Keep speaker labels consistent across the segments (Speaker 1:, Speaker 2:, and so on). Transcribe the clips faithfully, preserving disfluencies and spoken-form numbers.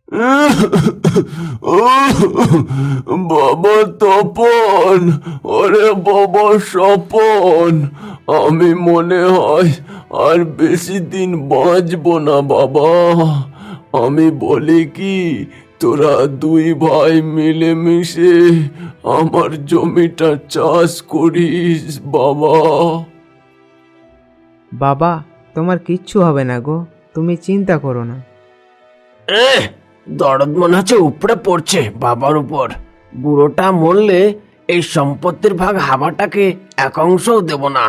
Speaker 1: বাবা তপন, ওরে বাবা স্বপন, আমি মনে হয় আর বেশি দিন বাঁচবো না বাবা। আমি বলি কি, তোরা দুই ভাই মিলেমিশে আমার জমিটা চাষ করিস বাবা।
Speaker 2: বাবা, তোমার কিচ্ছু হবে না গো, তুমি চিন্তা করো না।
Speaker 3: এ দরদ মনে হচ্ছে উপরে পড়ছে বাবার উপর। বুড়োটা মরলে এই সম্পত্তির ভাগ হাবাটাকে এক অংশও দেব না।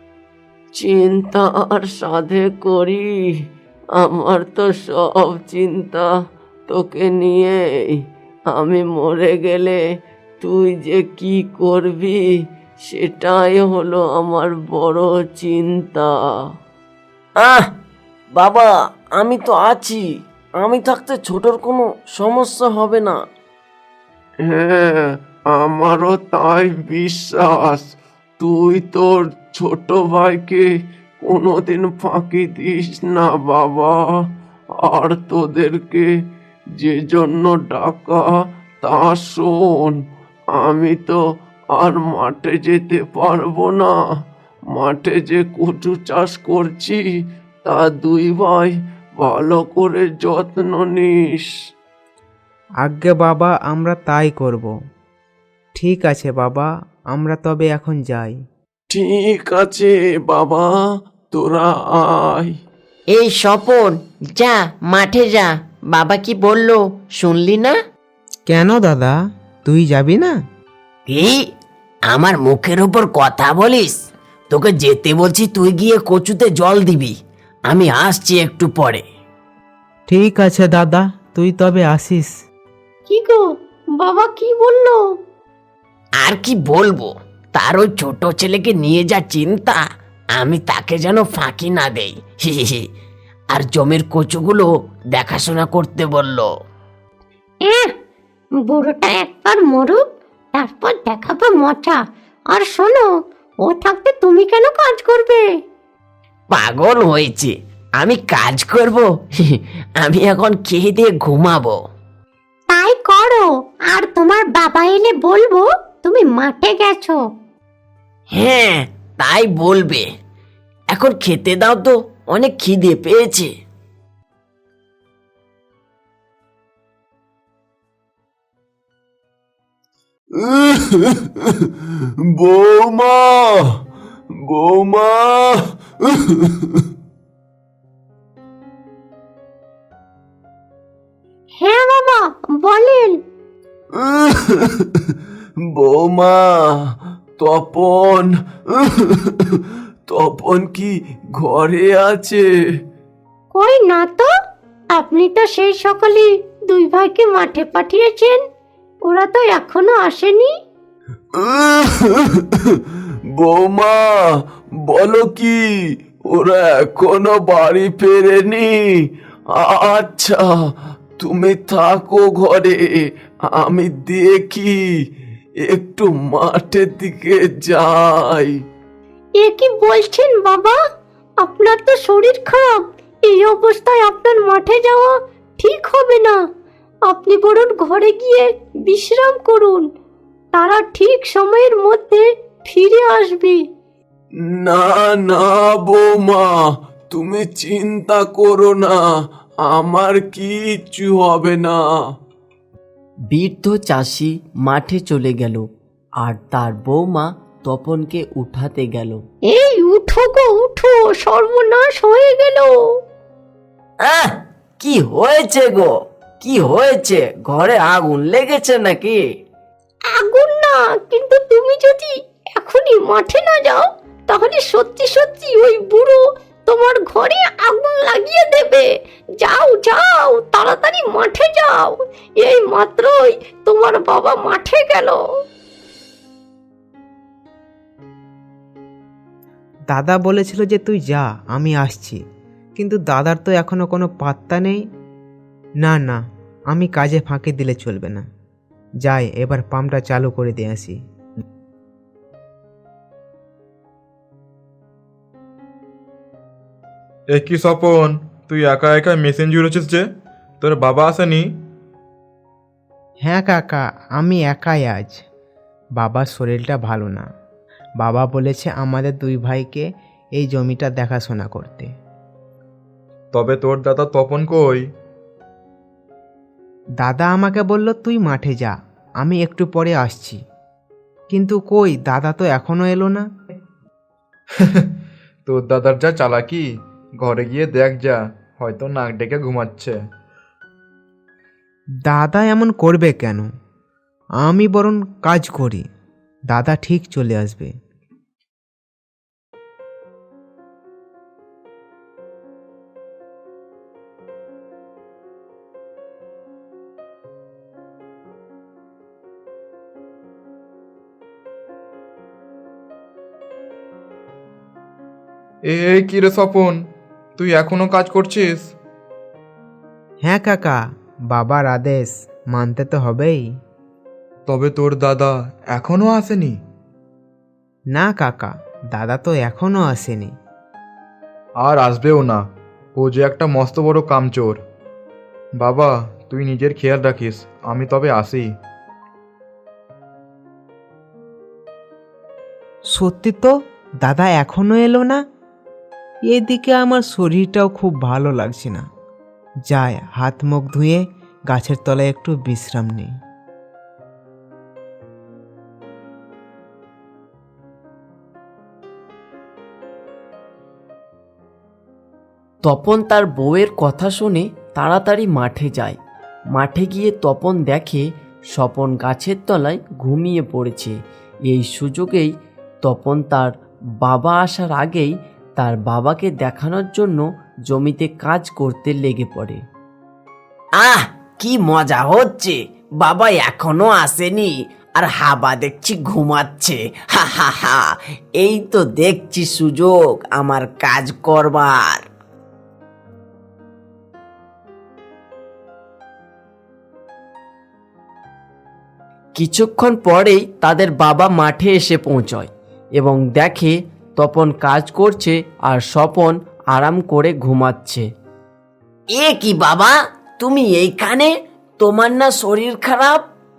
Speaker 4: চিন্তা আর সাধে করি, আমার তো সব চিন্তা তোকে নিয়েই। আমি মরে গেলে তুই যে কি করবি সেটাই হলো আমার বড় চিন্তা।
Speaker 3: আহ বাবা, আমি তো আছি, আমি থাকতে ছোটর কোনো সমস্যা হবে না।
Speaker 1: হ্যাঁ, আমারও তাই বিশ্বাস। তুই তোর ছোট ভাইকে কোনোদিন ফাঁকি দিস না বাবা। আর তোদেরকে যে জন্য ডাকা তা শোন। আমি তো আর মাঠে যেতে পারবো না। মাঠে যে কচু চাষ করছি তা দুই ভাই ভালো করে যত্ন নিস।
Speaker 2: আজ্ঞে বাবা, আমরা তাই করব। ঠিক আছে বাবা, আমরা তবে এখন যাই।
Speaker 1: ঠিক আছে বাবা, তোরা আয়।
Speaker 5: এই স্বপন, যা মাঠে যা। বাবা কি বললো শুনলি না?
Speaker 2: কেন দাদা, তুই যাবি না?
Speaker 3: কি আমার মুখের ওপর কথা বলিস? তোকে যেতে বলছি, তুই গিয়ে কচুতে জল দিবি। আমি আসছি একটু পরে।
Speaker 2: ঠিক আছে দাদা, তুই তবে আসিস।
Speaker 4: কি গো, বাবা কি বললো?
Speaker 3: আর কি বলবো, তার ওই ছোট ছেলেকে নিয়ে যা চিন্তা, আমি তাকে যেন ফাঁকি না দেই। হি হি হি। আর জমির কচুগুলো দেখাশোনা করতে বললো।
Speaker 6: এহ, বুড়োটা একবার মরুক, তারপর দেখাবো মজা। আর শোনো, ও থাকতে তুমি কেন কাজ করবে?
Speaker 3: পাগল হয়েছে, আমি কাজ করব? হি হি। আমি এখন খেয়ে দিয়ে ঘুমাবো।
Speaker 6: তাই করো, আর তোমার বাবা এলে বলবো তুমি মাঠে গেছো।
Speaker 3: হ্যাঁ, তাই বলবে। এখন খেতে দাও তো, অনেক খিদে পেয়েছে।
Speaker 1: বৌমা, বৌমা।
Speaker 6: হ্যাঁ বাবা, বলেন।
Speaker 1: বৌমা, তপন, তপন কি ঘরে আছে?
Speaker 6: কই না তো, আপনি তো সেই সকালে দুই ভাইকে মাঠে পাঠিয়েছেন, ওরা তো এখনো আসেনি।
Speaker 1: বৌমা, বলো কি, ওরা এখনো বাড়ি ফেরেনি? আচ্ছা, তুমি থাকো ঘরে, আমি দেখি একটু মাঠের দিকে যাই।
Speaker 6: এ কি বলছেন বাবা, আপনার তো শরীর খারাপ, এই অবস্থায় আপনার মাঠে যাওয়া ঠিক হবে না। আপনি বরং ঘরে গিয়ে বিশ্রাম করুন, তারা ঠিক সময়ের মধ্যে ফিরে আসবে।
Speaker 1: না না বৌমা, তুমি চিন্তা করো না, আমার কিচ্ছু হবে না।
Speaker 5: বৃদ্ধ চাষি মাঠে চলে গেল, আর তার বৌমা তপনকে উঠাতে গেল।
Speaker 6: এই উঠো গো উঠো, সর্বনাশ হয়ে গেল।
Speaker 3: আহ, কি হয়েছে গো? কি হয়েছে? ঘরে আগুন লেগেছে নাকি?
Speaker 6: আগুন না, কিন্তু তুমি যদি এখনই মাঠে না যাও, তাহলে সত্যি সত্যি ওই বুড়ো তোমার ঘরে আগুন লাগিয়ে দেবে। যাও যাও, তাড়াতাড়ি মাঠে যাও, এই মাত্রই তোমার বাবা মাঠে গেল।
Speaker 2: দাদা বলেছিল যে তুই যা, আমি আসছি, কিন্তু দাদার তো এখনো কোনো পাত্তা নেই। না না, আমি কাজে ফাঁকি দিলে চলবে না। যাই, এবার পাম্পটা চালু করে দিয়ে আসি।
Speaker 7: এ কি স্বপন, তুই একা একা মেশিন জুড়েছিস যে? তোর বাবা আসেনি?
Speaker 2: হ্যাঁ কাকা, আমি একাই আজ। বাবার শরীরটা ভালো না। বাবা বলেছে আমাদের দুই ভাইকে এই জমিটা দেখাশোনা করতে।
Speaker 7: তবে তোর দাদা তপন কই?
Speaker 2: দাদা আমাকে বলল তুই মাঠে যা, আমি একটু পরে আসছি। কিন্তু কই, দাদা তো এখনো এলো না।
Speaker 7: তোর দাদার যা চালাকি, ঘরে গিয়ে দেখ যা, হয়তো নাক ডেকে ঘুমাচ্ছে।
Speaker 2: দাদা এমন করবে কেন? আমি বরং কাজ করি, দাদা ঠিক চলে আসবে।
Speaker 7: এ এই কি রে স্বপন, তুই এখনো কাজ করছিস?
Speaker 2: হ্যাঁ কাকা, বাবার আদেশ মানতে তো হবেই।
Speaker 7: তবে তোর দাদা এখনো আসেনি?
Speaker 2: না কাকা, দাদা তো এখনো আসেনি।
Speaker 7: আর আসবেও না, ও যে একটা মস্ত বড় কামচোর। বাবা, তুই নিজের খেয়াল রাখিস, আমি তবে আসি।
Speaker 2: সত্যি তো, দাদা এখনো এলো না। এদিকে আমার শরীরটাও খুব ভালো লাগছে না। যাই, হাত মুখ ধুয়ে গাছের তলায় একটু বিশ্রাম নিই।
Speaker 5: তপন তার বউয়ের কথা শুনে তাড়াতাড়ি মাঠে যায়। মাঠে গিয়ে তপন দেখে স্বপন গাছের তলায় ঘুমিয়ে পড়েছে। এই সুযোগেই তপন তার বাবা আসার আগেই তার বাবাকে দেখানোর জন্য জমিতে কাজ করতে লেগে পড়ে।
Speaker 3: আহ, কি মজা হচ্ছে! বাবা এখনো আসেনি, আর হাবা দেখছি ঘুমাচ্ছে। হা হা হা, এই তো দেখছি সুযোগ আমার কাজ করবার।
Speaker 5: কিছুক্ষণ পরেই তাদের বাবা মাঠে এসে পৌঁছয় এবং দেখে তপন কাজ করছে আর স্বপন আরাম করে ঘুমাচ্ছে।
Speaker 3: এ কি বাবা, তুমি এইখানে? তোমার না শরীর খারাপ?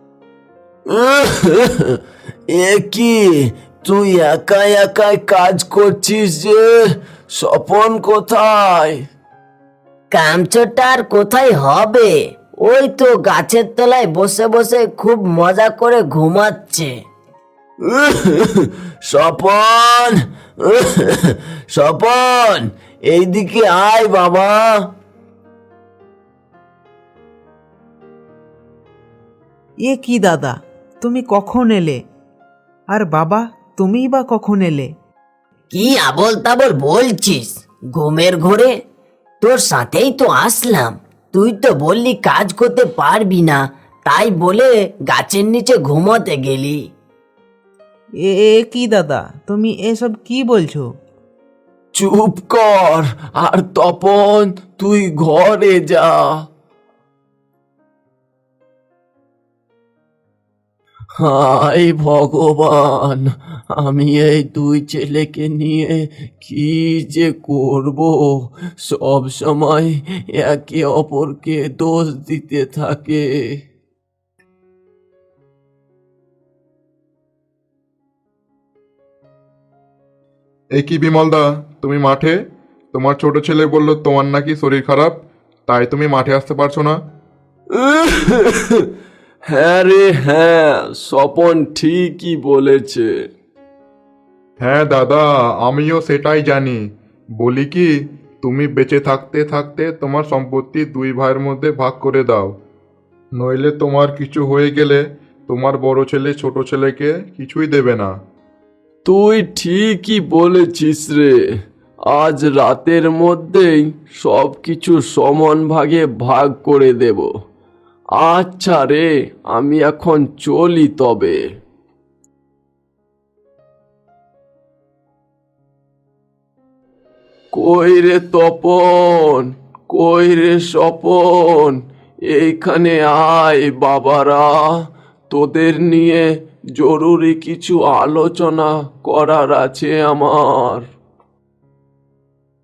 Speaker 1: এ কি, তুই একাই একাই কাজ করছিস যে? স্বপন কোথায়?
Speaker 3: কামচোরটা আর কোথায় হবে? ওই তো গাছের তলায় বসে বসে খুব মজা করে ঘুমাচ্ছে।
Speaker 1: স্বপন, স্বপন, এইদিকে আয় বাবা।
Speaker 2: এ কি দাদা, তুমি কখন এলে? আর বাবা, তুমিই বা কখন এলে?
Speaker 3: কি আবল তাবল বলছিস? ঘুমের ঘোরে তোর সাথেই তো আসলাম। তুই তো বললি কাজ করতে পারবি না, তাই বলে গাছের নিচে ঘুমোতে গেলি।
Speaker 2: এ এ কি দাদা, তুমি এসব কি বলছো?
Speaker 1: চুপ কর, আর তপন তুই ঘরে যা। হায় ভগবান, আমি এই দুই ছেলেকে নিয়ে কি যে করব! সব সময় একে অপরকে দোষ দিতে থাকে।
Speaker 8: এ কি বিমলদা, তুমি মাঠে? তোমার ছোট ছেলে বলল তোমার নাকি শরীর খারাপ, তাই তুমি মাঠে আসতে পারছো না।
Speaker 1: হ্যাঁ রে হ্যাঁ, স্বপন ঠিকই বলেছে।
Speaker 8: হ্যাঁ দাদা, আমিও সেটাই জানি। বলি কি, তুমি বেঁচে থাকতে থাকতে তোমার সম্পত্তি দুই ভাইয়ের মধ্যে ভাগ করে দাও, নইলে তোমার কিছু হয়ে গেলে তোমার বড় ছেলে ছোট ছেলেকে কিছুই দেবে না।
Speaker 1: তুই ঠিকই বলেছিস রে, আজ রাতের মধ্যেই সব কিছু সমান ভাগে ভাগ করে দেব। আচ্ছা রে, আমি এখন চলি তবে। কই রে তপন, কই রে স্বপন, এইখানে আয় বাবারা, তোদের নিয়ে জরুরি কিছু আলোচনা করার আছে আমার।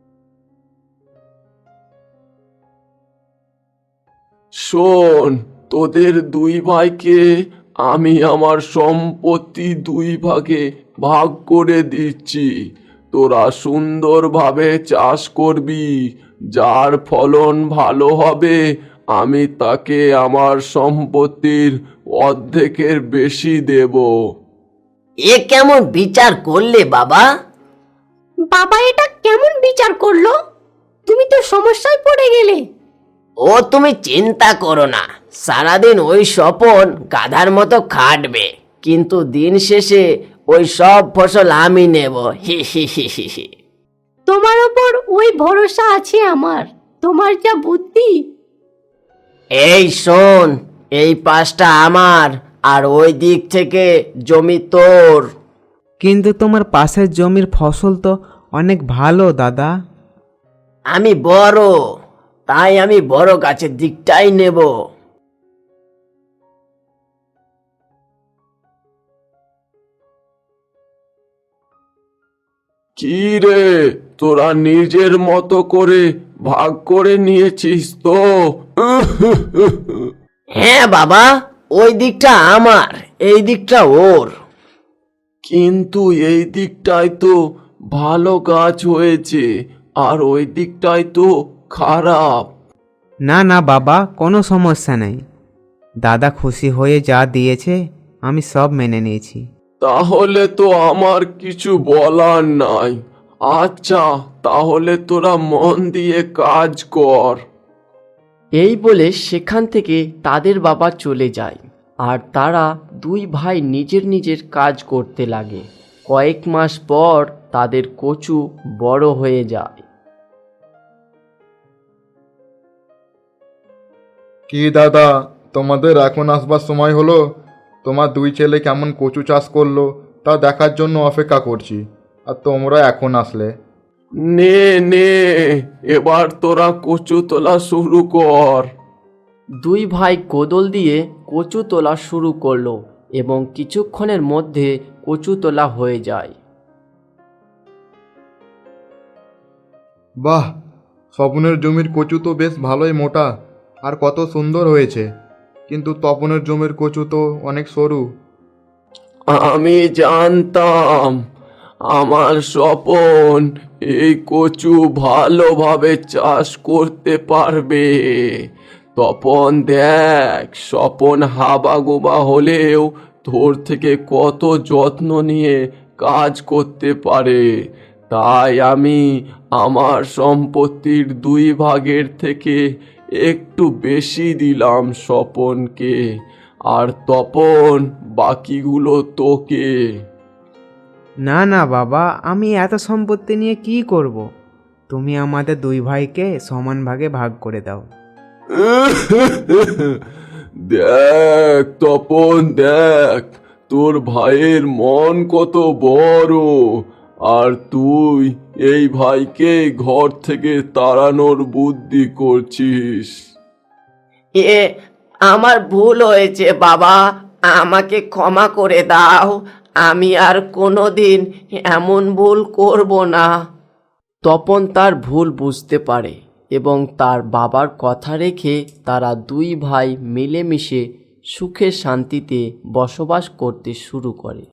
Speaker 1: শোন, তোদের দুই ভাইকে আমি আমার সম্পত্তি দুই ভাগে ভাগ করে দিচ্ছি। তোরা সুন্দরভাবে চাষ করবি, যার ফলন ভালো হবে আমি তাকে আমার সম্পত্তির অর্ধেকের বেশি দেব।
Speaker 3: এ কেমন বিচার করলে বাবা?
Speaker 6: বাবা এটা কেমন বিচার করলো? তুমি তো সমস্যায় পড়ে গেলে।
Speaker 3: ও তুমি চিন্তা করো না, সারাদিন ওই স্বপন গাধার মতো খাটবে, কিন্তু দিন শেষে ওই সব ফসল আমি নেব। হি হি হি হি হি।
Speaker 6: তোমার ওপর ওই ভরসা আছে আমার, তোমার যা বুদ্ধি।
Speaker 3: এই শোন, এই পাশটা আমার আর ওই দিক থেকে জমি তোর।
Speaker 2: কিন্তু তোমার পাশের জমির ফসল তো অনেক ভালো দাদা।
Speaker 3: আমি বড়, তাই আমি বড় গাছের দিকটাই নেব।
Speaker 1: কি রে, তোরা নিজের মতো করে ভাগ করে নিয়েছিস তো?
Speaker 3: হ্যাঁ বাবা, ওই দিকটা আমার, এই দিকটা ওর।
Speaker 1: কিন্তু এই দিকটায় তো ভালো গাছ হয়েছে আর ওই দিকটায় তো খারাপ।
Speaker 2: না না বাবা, কোনো সমস্যা নেই। দাদা খুশি হয়ে যা দিয়েছে আমি সব মেনে নিয়েছি।
Speaker 1: তাহলে তো আমার কিছু বলার নাই। আচ্ছা, তাহলে তোরা মন দিয়ে কাজ কর।
Speaker 5: এই বলে সেখান থেকে তাদের বাবা চলে যায় আর তারা দুই ভাই নিজের নিজের কাজ করতে লাগে। কয়েক মাস পর তাদের কচু বড় হয়ে যায়।
Speaker 8: কি দাদা, তোমাদের এখন আসবার সময় হলো? তোমার দুই ছেলে কেমন কচু চাষ করলো তা দেখার জন্য অপেক্ষা করছি, আর তোমরা এখন আসলে।
Speaker 1: নে নে, এবার তোরা কচু তোলা শুরু কর।
Speaker 5: দুই ভাই কোদল দিয়ে কচু তোলা শুরু করলো এবং কিছুক্ষণের মধ্যে কচু তোলা হয়ে যায়।
Speaker 8: বাহ, স্বপনের জমির কচু তো বেশ ভালোই মোটা আর কত সুন্দর হয়েছে, কিন্তু তপনের জমির কচু তো অনেক সরু।
Speaker 1: আমি জানতাম আমার স্বপন এই কচু ভালোভাবে চাষ করতে পারবে। তপন দেখ, স্বপন হাবাগোবা হলেও তোর থেকে কত যত্ন নিয়ে কাজ করতে পারে। তাই আমি আমার সম্পত্তির দুই ভাগের থেকে একটু বেশি দিলাম স্বপনকে, আর তপন বাকিগুলো তোকে।
Speaker 2: না না বাবা, আমি এত সম্পত্তি নিয়ে কি করব? তুমি আমাদের দুই ভাইকে সমান ভাগে ভাগ করে দাও।
Speaker 1: দেখ তপন, দেখ তোর ভাইয়ের মন কত বড়, আর তুই এই ভাইকে ঘর থেকে তাড়ানোর বুদ্ধি করছিস।
Speaker 3: এ আমার ভুল হয়েছে বাবা, আমাকে ক্ষমা করে দাও। আমি আর কোনোদিন এমন ভুল করব না।
Speaker 5: তপন তার ভুল বুঝতে পারে এবং তার বাবার কথা রেখে তারা দুই ভাই মিলেমিশে সুখে শান্তিতে বসবাস করতে শুরু করে।